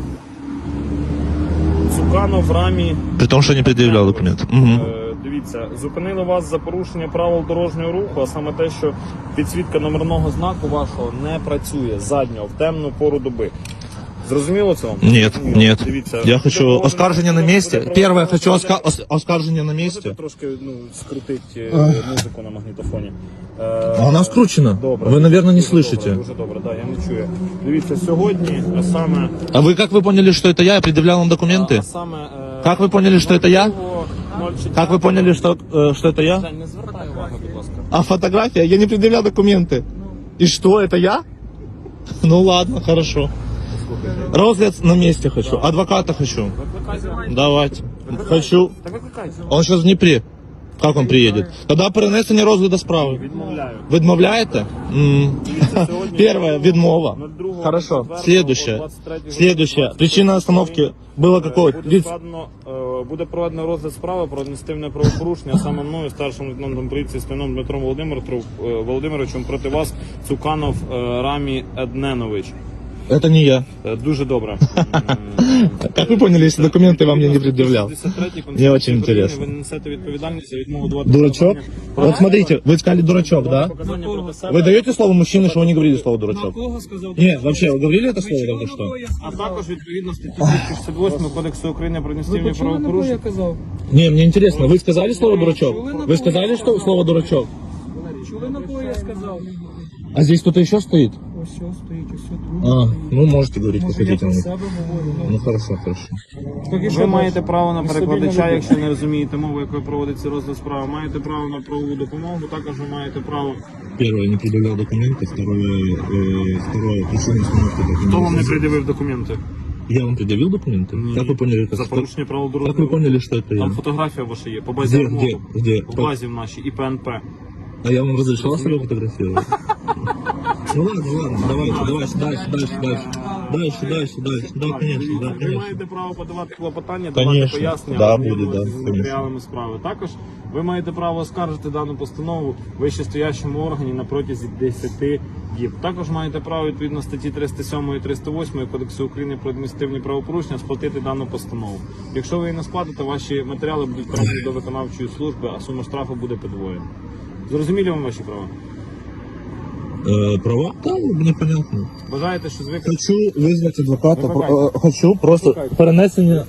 [SPEAKER 2] Цуканов Рамі.
[SPEAKER 1] При том, что не предъявлял документ. Угу.
[SPEAKER 2] Е, Дивіться, зупинили вас за порушення правил дорожнього руху, а саме те, що підсвітка номерного знаку вашого не працює заднього в темну пору доби. Зрозуміло це вам?
[SPEAKER 1] Нет,
[SPEAKER 2] Ні,
[SPEAKER 1] нет.
[SPEAKER 2] Дивіться,
[SPEAKER 1] Я
[SPEAKER 2] буде
[SPEAKER 1] хочу
[SPEAKER 2] проводено-
[SPEAKER 1] оскаржение на
[SPEAKER 2] буде
[SPEAKER 1] месте.
[SPEAKER 2] проведено-
[SPEAKER 1] Первое, хочу оска- ос- оскаржение на
[SPEAKER 2] Можете
[SPEAKER 1] месте.
[SPEAKER 2] трошки ну, скрутити е, музику на магнітофоні. Е,
[SPEAKER 1] А она скручена.
[SPEAKER 2] Добре.
[SPEAKER 1] Вы, наверное, не
[SPEAKER 2] Дуже
[SPEAKER 1] слышите.
[SPEAKER 2] Добре, дуже добре, да, я не чую. Дивіться, сьогодні, а саме...
[SPEAKER 1] А вы как вы поняли, что это я? Я предъявлял вам
[SPEAKER 2] А
[SPEAKER 1] документы?
[SPEAKER 2] саме е,
[SPEAKER 1] Как вы поняли, что это я?
[SPEAKER 2] ноль четыре.
[SPEAKER 1] Как вы поняли, что, э, что это я?
[SPEAKER 2] Жень, не звертай уваги, будь ласка.
[SPEAKER 1] А фотография? Я не предъявлял документы. И что, это я? Ну ладно, хорошо. Розгляд на месте хочу. Адвоката хочу.
[SPEAKER 2] Викликайте.
[SPEAKER 1] Давайте. Хочу.
[SPEAKER 2] Так викликайте.
[SPEAKER 1] Он сейчас в Днепре. Как он приедет? Тогда перенесення розгляду справи.
[SPEAKER 2] Відмовляю.
[SPEAKER 1] Відмовляєте? М.
[SPEAKER 2] Дивіться, сьогодні-
[SPEAKER 1] Первое, відмова.
[SPEAKER 2] ноль другого,
[SPEAKER 1] Хорошо.
[SPEAKER 2] четвертого,
[SPEAKER 1] Следующее.
[SPEAKER 2] двадцять третього,
[SPEAKER 1] Следующее.
[SPEAKER 2] двадцять
[SPEAKER 1] Причина
[SPEAKER 2] третього.
[SPEAKER 1] остановки было какой?
[SPEAKER 2] Буде
[SPEAKER 1] Вид-
[SPEAKER 2] складено, е, буде проведено розгляд справи про адміністративне правопорушення, а саме мною, старшим лейтенантом поліції Стояном Дмитром Володимиром, е, Володимировичем проти вас Цуканов е, Рамі Едненович.
[SPEAKER 1] Это не я.
[SPEAKER 2] Е, Дуже добре.
[SPEAKER 1] Как вы поняли, если документы вам я не предъявлял? Мне очень интересно.
[SPEAKER 2] Ви несете відповідальність за відмову давати
[SPEAKER 1] Дурачок?
[SPEAKER 2] показання.
[SPEAKER 1] Вот смотрите, вы сказали дурачок, да?
[SPEAKER 2] Показання проти себе.
[SPEAKER 1] Вы даете слово мужчине, что вы не говорили слово
[SPEAKER 4] На
[SPEAKER 1] дурачок?
[SPEAKER 4] кого сказав?
[SPEAKER 1] Нет, вообще, вы говорили это
[SPEAKER 4] Ви
[SPEAKER 1] слово
[SPEAKER 4] чули,
[SPEAKER 1] только
[SPEAKER 4] на
[SPEAKER 1] что?
[SPEAKER 4] кого я
[SPEAKER 2] А
[SPEAKER 4] сказав?
[SPEAKER 2] також відповідно статті двісті шістдесят восьмого Кодексу України про
[SPEAKER 4] Ви
[SPEAKER 2] адміністративні
[SPEAKER 4] почули, на кого я
[SPEAKER 2] правопорушення.
[SPEAKER 4] казав?
[SPEAKER 1] Не, мне интересно, вы сказали слово дурачок? Вы сказали что слово дурачок?
[SPEAKER 4] Чули, на кого я сказав?
[SPEAKER 1] А здесь кто-то еще стоит?
[SPEAKER 4] Ось все стоїть, ось все
[SPEAKER 1] А,
[SPEAKER 4] друге стоїть.
[SPEAKER 1] ну можете говорить, как
[SPEAKER 4] Може, я
[SPEAKER 1] хотите.
[SPEAKER 4] про
[SPEAKER 1] Ну,
[SPEAKER 4] себе говорю,
[SPEAKER 1] ну
[SPEAKER 4] ну,
[SPEAKER 1] хорошо, хорошо.
[SPEAKER 4] поки що
[SPEAKER 2] Ви маєте
[SPEAKER 4] бачу.
[SPEAKER 2] право на
[SPEAKER 6] Нестабільна
[SPEAKER 2] перекладача,
[SPEAKER 6] людина.
[SPEAKER 2] якщо не розумієте мову, якою проводиться розгляд справи. Маєте право на правову допомогу, також ви маєте право.
[SPEAKER 1] Первое, не предъявлял документы. Второе, э, второе, причина установки документов.
[SPEAKER 2] Хто вам не пред'явив документи?
[SPEAKER 1] Я вам предъявил документы?
[SPEAKER 2] Ні.
[SPEAKER 1] Как вы поняли, как,
[SPEAKER 2] За порушення правил
[SPEAKER 1] как вы
[SPEAKER 2] дорожнього руху.
[SPEAKER 1] поняли, что это
[SPEAKER 2] Там
[SPEAKER 1] я?
[SPEAKER 2] фотографія ваша є, по базі
[SPEAKER 1] Где,
[SPEAKER 2] вимоги.
[SPEAKER 1] где, где?
[SPEAKER 2] В базі в нашій і ПНП.
[SPEAKER 1] А я вам разрешал себя фотографировать? Ну ладно, ладно, давайте, давайте, дальше, дальше, дальше. Дальше, дальше, дальше. Да, конечно, да,
[SPEAKER 2] Ви
[SPEAKER 1] конечно.
[SPEAKER 2] маєте право подавати клопотання, давати
[SPEAKER 1] Конечно.
[SPEAKER 2] пояснення,
[SPEAKER 1] Да,
[SPEAKER 2] ознайомлюватися
[SPEAKER 1] буде, да,
[SPEAKER 2] з
[SPEAKER 1] конечно.
[SPEAKER 2] матеріалами справи. Також ви маєте право оскаржити дану постанову вищестоящому органі на протязі десяти діб. Також маєте право відповідно статті триста сьомої і триста восьмої Кодексу України про адміністративні правопорушення сплатити дану постанову. Якщо ви її не сплатите, ваші матеріали будуть передані до виконавчої служби, а сума штрафу буде подвоєна. Зрозумілі вам ваші права?
[SPEAKER 1] Э, права? Да, мне понятно.
[SPEAKER 2] Бажаєте, що звикли?
[SPEAKER 1] Хочу вызвать адвоката.
[SPEAKER 2] Викликайте.
[SPEAKER 1] Про- э, Хочу просто перенесення.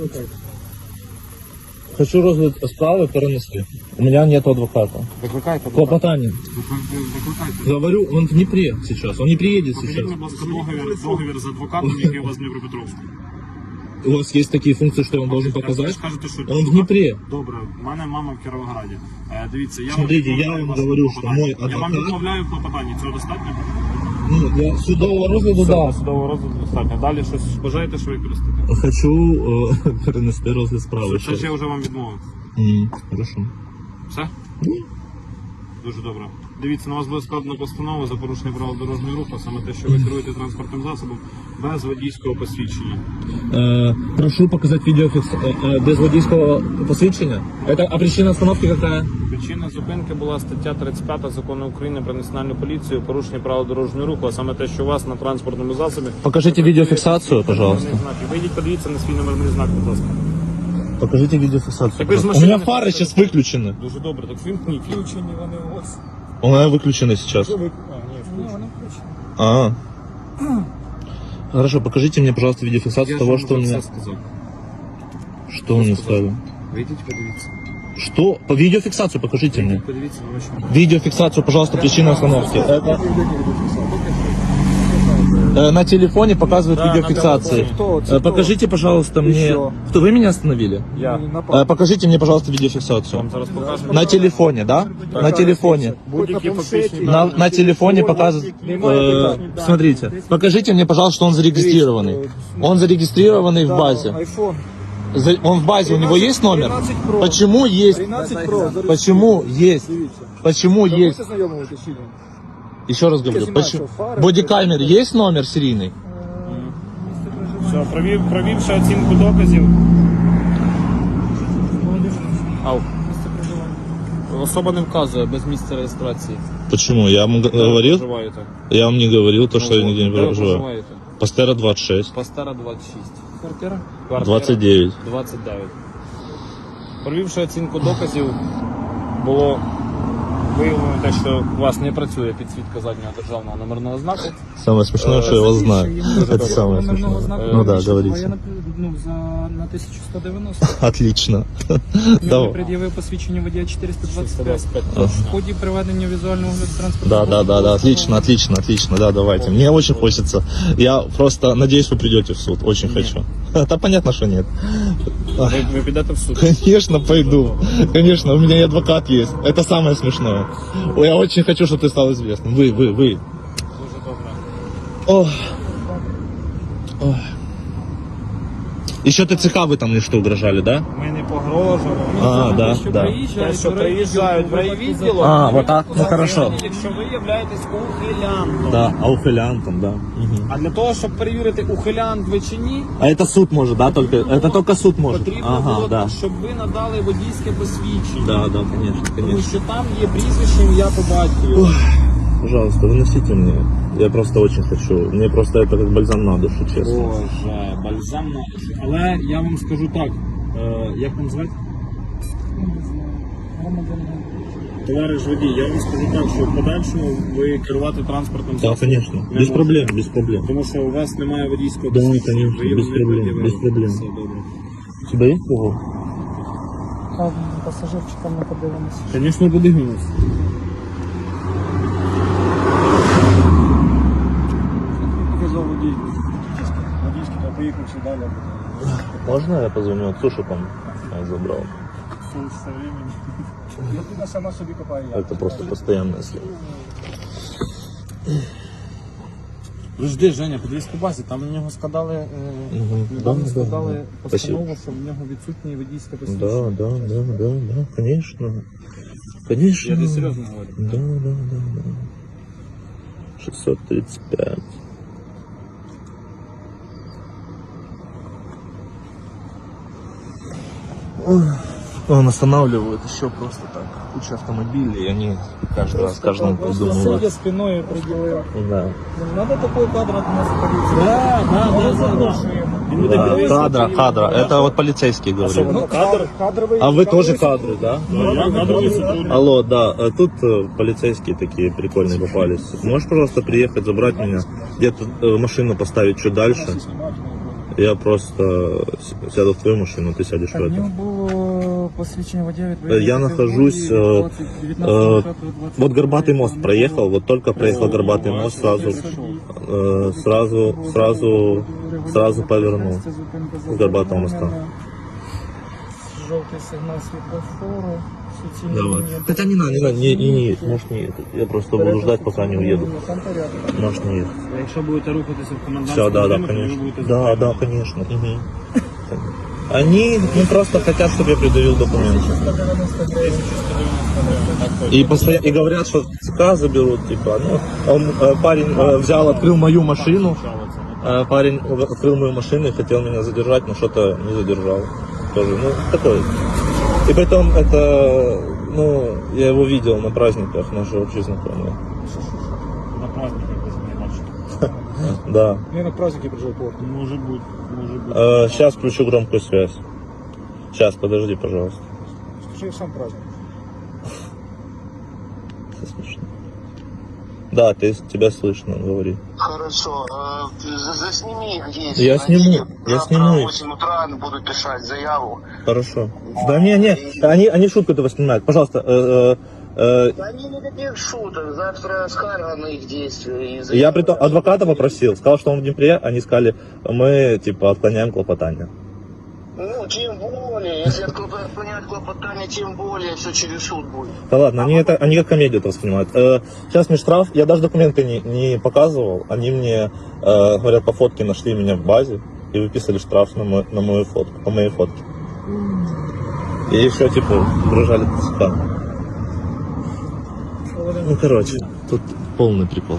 [SPEAKER 1] Хочу розгляд справи перенести. У меня нет адвоката.
[SPEAKER 2] Викликайте,
[SPEAKER 1] Клопотание.
[SPEAKER 2] викликайте.
[SPEAKER 1] Говорю, он в Днепре сейчас. Он не приедет
[SPEAKER 2] Покажіть,
[SPEAKER 1] сейчас.
[SPEAKER 2] будь ласка, договір, договір з адвокатом, який у вас в Дніпропетровську.
[SPEAKER 1] У вас есть такие функции, что я вам должен
[SPEAKER 2] Ви
[SPEAKER 1] показать?
[SPEAKER 2] ж кажете, що
[SPEAKER 1] Он в Днепре.
[SPEAKER 2] Добре, в мене мама в Кіровограді. Е, дивіться, я
[SPEAKER 1] Смотрите,
[SPEAKER 2] вам
[SPEAKER 1] я
[SPEAKER 2] відмовляю
[SPEAKER 1] вам
[SPEAKER 2] вас
[SPEAKER 1] говорю,
[SPEAKER 2] в
[SPEAKER 1] що
[SPEAKER 2] клопотанні.
[SPEAKER 1] мой
[SPEAKER 2] Я вам
[SPEAKER 1] адвокат-
[SPEAKER 2] відмовляю в клопотанні, цього достатньо?
[SPEAKER 1] Ну, я судового розгляду,
[SPEAKER 2] Все,
[SPEAKER 1] да.
[SPEAKER 2] судового розгляду достатньо. Далі щось бажаєте, що використати?
[SPEAKER 1] Хочу э, перенести розгляд справи.
[SPEAKER 2] Це ж я вже вам відмовив.
[SPEAKER 1] М, Хорошо.
[SPEAKER 2] Все? Дуже добре. Дивіться, на вас буде складено постанову за порушення правил дорожнього руху, саме те, що ви керуєте транспортним засобом без водійського посвідчення.
[SPEAKER 1] Э, прошу показать видеофикс э, э, без водительского посвящения. Это, а причина остановки какая?
[SPEAKER 2] Причина зупинки була стаття тридцять п'ять Закону України про національну поліцію, порушення правил дорожнього руху, а саме те, що у вас на транспортному засобі.
[SPEAKER 1] Покажите видеофиксацию, пожалуйста.
[SPEAKER 2] Номерний знак. Вийдіть, подивіться на свій номерний знак, будь ласка.
[SPEAKER 1] Покажите видеофиксацию.
[SPEAKER 2] Так вы же
[SPEAKER 1] пожалуйста. У
[SPEAKER 2] машины
[SPEAKER 1] меня
[SPEAKER 2] не
[SPEAKER 1] фары
[SPEAKER 2] хотите?
[SPEAKER 1] сейчас выключены.
[SPEAKER 2] Дуже добре, так вимкніть.
[SPEAKER 6] Включені вони у вас.
[SPEAKER 1] У меня выключены сейчас.
[SPEAKER 6] Що ви? А, ні,
[SPEAKER 4] Ну,
[SPEAKER 6] включені.
[SPEAKER 4] вони включені.
[SPEAKER 1] А. Хорошо, покажите мне, пожалуйста, видеофиксацию
[SPEAKER 2] Я
[SPEAKER 1] того,
[SPEAKER 2] ж
[SPEAKER 1] что у
[SPEAKER 2] вам вже
[SPEAKER 1] меня...
[SPEAKER 2] все сказав.
[SPEAKER 1] Что он мне сказал?
[SPEAKER 2] Вийдіть, подивіться.
[SPEAKER 1] Что? По видеофиксацию покажите мне.
[SPEAKER 2] Вийдіть, подивіться на ваші.
[SPEAKER 1] Видеофиксацию, пожалуйста, причина остановки. Это... Э, На телефоне показывают
[SPEAKER 2] Да,
[SPEAKER 1] видеофиксации.
[SPEAKER 2] на
[SPEAKER 6] Кто?
[SPEAKER 1] Э, Покажите, пожалуйста, мне...
[SPEAKER 6] Еще.
[SPEAKER 1] Кто, вы меня остановили?
[SPEAKER 2] Я
[SPEAKER 1] Э, Покажите мне, пожалуйста, видеофиксацию.
[SPEAKER 2] вам зараз покажу.
[SPEAKER 1] На телефоне, да? На телефоне.
[SPEAKER 2] Будь-які фактичні
[SPEAKER 1] На,
[SPEAKER 2] дані.
[SPEAKER 1] на телефоне показывают... э, смотрите, покажите мне, пожалуйста, что он зарегистрированный. Он зарегистрированный в базе.
[SPEAKER 6] Айфон.
[SPEAKER 1] За- Он в базе, у него есть номер?
[SPEAKER 6] тринадцять Pro.
[SPEAKER 1] Почему есть?
[SPEAKER 6] тринадцять Pro.
[SPEAKER 1] Почему есть?
[SPEAKER 6] Дивіться.
[SPEAKER 1] Почему
[SPEAKER 6] Ви
[SPEAKER 1] есть?
[SPEAKER 6] будете знайомитися чи ні?
[SPEAKER 1] Еще раз говорю,
[SPEAKER 6] Я снимаю,
[SPEAKER 1] почему?
[SPEAKER 6] что, фары,
[SPEAKER 1] Бодикамер есть номер серийный?
[SPEAKER 2] Все, провів, провівши оцінку доказів. Ау.
[SPEAKER 4] Місце проживання.
[SPEAKER 2] Особа не вказує без місця реєстрації.
[SPEAKER 1] Почему? Я вам г- говорил?
[SPEAKER 2] Проживаєте.
[SPEAKER 1] Я вам не говорил то, что я
[SPEAKER 2] Ну,
[SPEAKER 1] нигде не
[SPEAKER 2] де ви
[SPEAKER 1] проживаю.
[SPEAKER 2] проживаєте?
[SPEAKER 1] Пастера двадцать шесть.
[SPEAKER 2] Пастера двадцять шість.
[SPEAKER 4] Квартира?
[SPEAKER 2] Квартира
[SPEAKER 1] двадцать девять.
[SPEAKER 2] двадцять дев'ять. Провівши оцінку доказів, було виявлено те, що у вас не працює підсвітка заднього державного номерного знаку.
[SPEAKER 1] Самое смешное, что я вас знаю.
[SPEAKER 4] Більше йому
[SPEAKER 1] Это самое
[SPEAKER 4] номерного
[SPEAKER 1] смешное.
[SPEAKER 4] знаку
[SPEAKER 1] Ну да,
[SPEAKER 4] більше, а
[SPEAKER 1] говорите.
[SPEAKER 4] я, наприклад, ну, за, на тисячу сто дев'яносто.
[SPEAKER 1] Отлично.
[SPEAKER 4] Я не
[SPEAKER 1] Давай.
[SPEAKER 4] пред'явив посвідчення водія чотириста двадцять п'ять.
[SPEAKER 2] двадцять п'ять
[SPEAKER 1] Ага.
[SPEAKER 2] точно.
[SPEAKER 4] В ході проведення візуального огляду транспорту.
[SPEAKER 1] Да, да, да, да, отлично, отлично, отлично, да, давайте. Мне очень хочется. Я просто надеюсь, вы придете в суд. Очень хочу. Да понятно, что нет.
[SPEAKER 2] Ви, ви підете в суд.
[SPEAKER 1] Конечно, пойду. Конечно, у меня и адвокат есть. Это самое смешное. Ой, я очень хочу, чтобы ты стал известным. Вы, вы, вы.
[SPEAKER 2] Дуже добре.
[SPEAKER 1] Ох. Ох. Еще ТЦК вы там мне что угрожали, да?
[SPEAKER 2] Ми не погрожуємо.
[SPEAKER 1] А, да,
[SPEAKER 4] Що
[SPEAKER 1] да.
[SPEAKER 2] Те, що приїжджають в райвідділок,
[SPEAKER 1] А, вот так? Ну, хорошо.
[SPEAKER 2] якщо ви являєтесь ухилянтом.
[SPEAKER 1] Да, ауфилянтом, да. Мгм.
[SPEAKER 2] А для того, щоб перевірити, ухилянт ви чи ні,
[SPEAKER 1] А это суд может, да, только? Это только суд может?
[SPEAKER 2] потрібно
[SPEAKER 1] Ага,
[SPEAKER 2] було,
[SPEAKER 1] да.
[SPEAKER 2] щоб ви надали водійське посвідчення.
[SPEAKER 1] Да, да, конечно,
[SPEAKER 2] Тому
[SPEAKER 1] конечно.
[SPEAKER 2] що там є прізвище, ім'я по батькові.
[SPEAKER 1] Пожалуйста, выносите мне. Я просто очень хочу. Мне просто это как бальзам на душу, честно.
[SPEAKER 2] Боже, бальзам на душу. Але я вам скажу так, е, як вам звати? Товариш водій, я вам скажу так, що в подальшому ви керувати транспортним
[SPEAKER 1] Да,
[SPEAKER 2] засобом
[SPEAKER 1] конечно.
[SPEAKER 2] не
[SPEAKER 1] Без
[SPEAKER 2] можете.
[SPEAKER 1] проблем, без проблем.
[SPEAKER 2] Тому що у вас немає водійського
[SPEAKER 1] Да,
[SPEAKER 2] посвідчення.
[SPEAKER 1] конечно,
[SPEAKER 2] Ви його
[SPEAKER 1] без
[SPEAKER 2] не
[SPEAKER 1] проблем,
[SPEAKER 2] пред'явили.
[SPEAKER 1] без проблем.
[SPEAKER 2] Все добре.
[SPEAKER 1] У тебя есть кого?
[SPEAKER 4] А пасажирчикам не подивимося.
[SPEAKER 2] Звісно, подивимось.
[SPEAKER 6] выключи, да, ляпу.
[SPEAKER 1] Можно я позвоню отцу, чтобы он он забрал?
[SPEAKER 6] Со временем. Людина сама собі копає яму.
[SPEAKER 1] Это просто постоянная съемка.
[SPEAKER 2] Жди, Женя, подивись по базі, там на нього складали, е,
[SPEAKER 1] Мгм.
[SPEAKER 2] недавно
[SPEAKER 1] Да,
[SPEAKER 2] складали
[SPEAKER 1] да, да.
[SPEAKER 2] постанову, що в нього відсутні водійське посвідчення.
[SPEAKER 1] Да, да, да, да, да, конечно. Конечно.
[SPEAKER 2] Я тобі серйозно говорю.
[SPEAKER 1] Да, да, да, да. шестьсот тридцать пять. Он останавливает еще просто так. Куча автомобилей, и они каждый раз, каждому
[SPEAKER 6] Просто
[SPEAKER 1] придумывают.
[SPEAKER 6] сидя спиною приділив.
[SPEAKER 1] Да.
[SPEAKER 6] Не надо такой кадр от нас полиции.
[SPEAKER 2] Да, да, да, да. Він буде
[SPEAKER 1] Да,
[SPEAKER 2] підвищувати
[SPEAKER 1] кадра,
[SPEAKER 2] її
[SPEAKER 1] кадра.
[SPEAKER 2] на
[SPEAKER 1] Это вот полицейский говорит.
[SPEAKER 6] Ну, кадр, кадровий.
[SPEAKER 1] А вы тоже кадры, да?
[SPEAKER 3] Ну, я кадровий сотрудник.
[SPEAKER 1] Алло, да, а тут э, полицейские такие прикольные попались. Можешь, пожалуйста, приехать, забрать меня, где-то э, машину поставить чуть дальше? Я просто с- сяду в твою машину, ты сядешь в
[SPEAKER 6] В нього
[SPEAKER 1] эту.
[SPEAKER 6] було посвідчення водія
[SPEAKER 1] Э,
[SPEAKER 6] відповідної
[SPEAKER 1] Я нахожусь, э, э, вот Горбатый мост проехал, вот только проехал Горбатый мост, сразу, э, сразу, сразу, сразу повернул с Горбатого моста.
[SPEAKER 6] Жовтий сигнал світлофору. суцільні
[SPEAKER 1] Давай.
[SPEAKER 6] лінії.
[SPEAKER 1] Хотя не надо, не надо, не, не, не, можешь не ехать. Я просто буду ждать, пока не уеду.
[SPEAKER 6] Там порядок.
[SPEAKER 1] Можешь не ехать.
[SPEAKER 2] Якщо будете рухатися в комендантську
[SPEAKER 1] Все, да, да,
[SPEAKER 2] годину, то ви
[SPEAKER 1] конечно.
[SPEAKER 2] будете
[SPEAKER 1] Да, да, конечно. Мгм. Они ну, просто хотят, чтобы я предъявил документы. И, постоя... и говорят, что ЦК заберут, типа, ну, он, э, парень э, взял, открыл мою машину, э, парень открыл мою машину и хотел меня задержать, но что-то не задержал. Тоже, ну, такой. И потом это, ну, я его видел на праздниках, наши общие знакомые.
[SPEAKER 2] на праздниках десь не бачите.
[SPEAKER 1] Да.
[SPEAKER 6] Я на праздники прижив порт.
[SPEAKER 2] Може бути, може бути.
[SPEAKER 1] Э, сейчас включу громкую связь. Сейчас, подожди, пожалуйста.
[SPEAKER 6] Скажи сам праздник.
[SPEAKER 1] Это смешно. Да, ты, тебя слышно, говори.
[SPEAKER 7] Хорошо. Э, ты за- Засними здесь.
[SPEAKER 1] Я сниму, я
[SPEAKER 7] Завтра
[SPEAKER 1] сниму.
[SPEAKER 7] в восемь утра буду писать заяву.
[SPEAKER 1] Хорошо. Да не, не, они, они шутку этого снимают. Пожалуйста, э, э, э,
[SPEAKER 7] Да не никаких шуток. Завтра скарга на их действия. и
[SPEAKER 1] я
[SPEAKER 7] заява.
[SPEAKER 1] при том адвоката попросил, сказал, что он в Днепре, они сказали, мы типа отклоняем клопотание.
[SPEAKER 7] Ну, тем более. Если отклоп- отклонять клопотание, тем более все через суд будет.
[SPEAKER 1] Да ладно, они это, они как комедию это воспринимают. Э, сейчас мне штраф, я даже документы не, не показывал, они мне, э, говорят, по фотке нашли меня в базе и выписали штраф на, мой, на мою фотку, по моей фотке. И еще типа угрожали ТЦК. Ну, короче, тут полный прикол.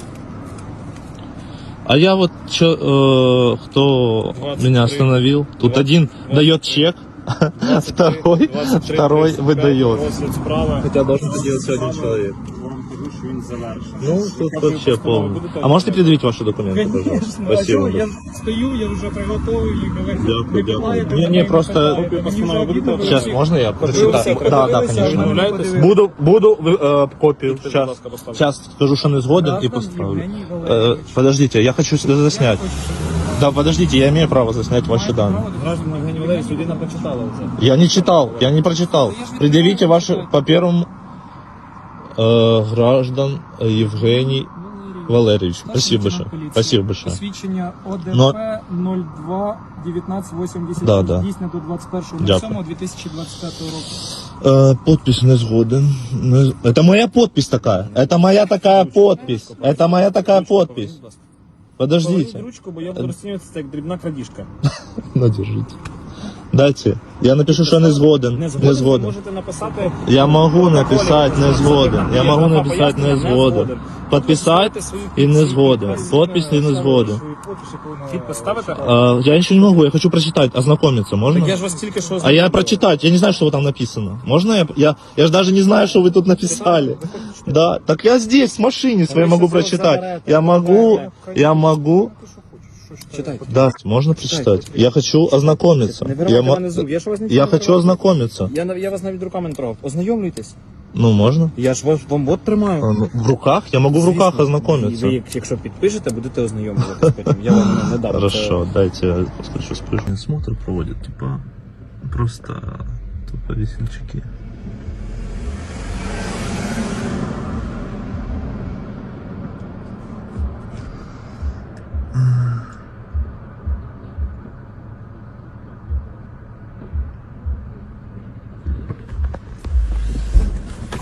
[SPEAKER 1] А я вот чё, э, кто меня остановил? Тут один дает чек, второй, второй выдает.
[SPEAKER 2] Розгляд справи.
[SPEAKER 1] Хотя должен это делать всего один человек.
[SPEAKER 2] Вам кажу, що він завершений.
[SPEAKER 1] Ну, тут вообще полный. А можете предъявить ваши документы, пожалуйста? Спасибо.
[SPEAKER 6] Я стою, я вже приготовив їх, але
[SPEAKER 1] Дякую,
[SPEAKER 6] не
[SPEAKER 1] дякую.
[SPEAKER 6] питаєте,
[SPEAKER 1] Не, не,
[SPEAKER 6] ви
[SPEAKER 1] просто-
[SPEAKER 6] питаєте. Мені вже обідно, ви
[SPEAKER 1] Сейчас,
[SPEAKER 6] всі-
[SPEAKER 1] можно я прочитаю?
[SPEAKER 6] всі
[SPEAKER 1] Да, да,
[SPEAKER 6] подивилися,
[SPEAKER 1] конечно.
[SPEAKER 6] а ми не
[SPEAKER 2] Відмовляєтесь?
[SPEAKER 6] подивилися.
[SPEAKER 1] Буду, буду э, копию.
[SPEAKER 2] Будь
[SPEAKER 1] Сейчас,
[SPEAKER 2] ласка, поставте.
[SPEAKER 1] сейчас скажу, что не сгоден
[SPEAKER 6] Да,
[SPEAKER 1] и
[SPEAKER 6] там
[SPEAKER 1] поставлю.
[SPEAKER 6] Евгений
[SPEAKER 1] Э,
[SPEAKER 6] Валерьевич.
[SPEAKER 1] подождите, я хочу сюда заснять. Да, подождите, я имею право заснять ваши данные.
[SPEAKER 2] Граждан Євгеній Валерійович, людина прочитала вже.
[SPEAKER 1] Я не читал, я не прочитал. Предъявите ваши по первому э, граждан Евгений Валерьевич. Спасибо большое. Спасибо большое.
[SPEAKER 6] Посвідчення
[SPEAKER 1] Но-
[SPEAKER 6] ОДП нуль два дев'ятнадцять вісімдесят
[SPEAKER 1] Да, да.
[SPEAKER 6] дійсне до двадцять першого
[SPEAKER 1] Дякую.
[SPEAKER 6] дві тисячі двадцять п'ятого року.
[SPEAKER 1] Э, подпись не сгоден. Не- Это моя подпись такая. Это моя такая подпись. Это моя такая подпись. Подождите.
[SPEAKER 2] Поверніть ручку, бо я буду розцінювати це як дрібна крадіжка.
[SPEAKER 1] Ну, держите. Дайте. Я напишу, что не сгоден.
[SPEAKER 2] Не
[SPEAKER 1] Не
[SPEAKER 2] згоден, ви
[SPEAKER 1] сгоден.
[SPEAKER 2] можете написати...
[SPEAKER 1] Я могу
[SPEAKER 2] в протоколі,
[SPEAKER 1] написать не
[SPEAKER 2] що
[SPEAKER 1] сгоден.
[SPEAKER 2] там
[SPEAKER 1] Я
[SPEAKER 2] є
[SPEAKER 1] могу
[SPEAKER 2] два
[SPEAKER 1] написать не
[SPEAKER 2] пояснення,
[SPEAKER 1] сгоден. Подписать и не сгоден. Подпись и не сгоден.
[SPEAKER 2] Підпис ставите?
[SPEAKER 1] А, я еще не могу, я хочу прочитать, ознакомиться, можно?
[SPEAKER 2] Так я ж вас тільки що...
[SPEAKER 1] А я прочитать, я не знаю, что там написано. Можно я? Я, я же даже не знаю, что вы тут написали. Да, так я здесь, в машине своей могу прочитать. Я могу, я могу.
[SPEAKER 2] Читайте.
[SPEAKER 1] Да, можно прочитать. Я хочу ознакомиться.
[SPEAKER 2] Не
[SPEAKER 1] Я,
[SPEAKER 2] виривайте
[SPEAKER 1] мо-
[SPEAKER 2] мене з рук, я ж вас нічого
[SPEAKER 1] я
[SPEAKER 2] не
[SPEAKER 1] хочу
[SPEAKER 2] трогав.
[SPEAKER 1] ознакомиться.
[SPEAKER 2] Я, на- я вас навіть руками не трогав. Ознайомлюйтесь.
[SPEAKER 1] Ну, можно?
[SPEAKER 2] Я ж вас вам от тримаю.
[SPEAKER 1] А, ну, В руках? Я могу в руках
[SPEAKER 2] Звісно.
[SPEAKER 1] ознакомиться.
[SPEAKER 2] І ви, якщо підпишете, будете ознайомлюватись потім. Я вам не дам.
[SPEAKER 1] Хорошо, дайте я подскочу спрыгну. Смотр проводят, типа, просто тупо весельчаки.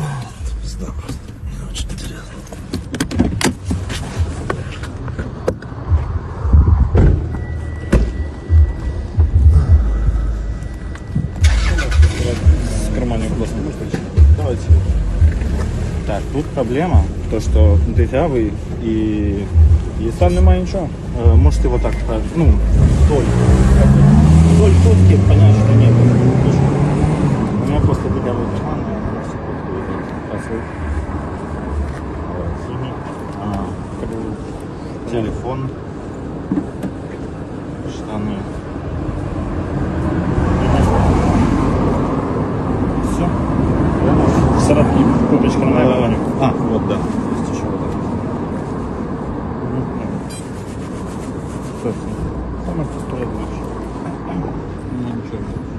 [SPEAKER 1] Пизда просто. Мне очень интересно.
[SPEAKER 2] С карманів, будь ласка, можете? Давайте. Так, тут проблема, то що дырявий і, і там немає нічого. Е, можете вот так, е, ну, вдоль. Вдоль фотки, понятно, що нет. У меня просто дырявый карман. А, телефон, штаны. Все.
[SPEAKER 3] Середній куточка немає вагонів.
[SPEAKER 2] А, вот, да. Есть еще вот это. Все, все. Самое простое дальше. Ну, ничего.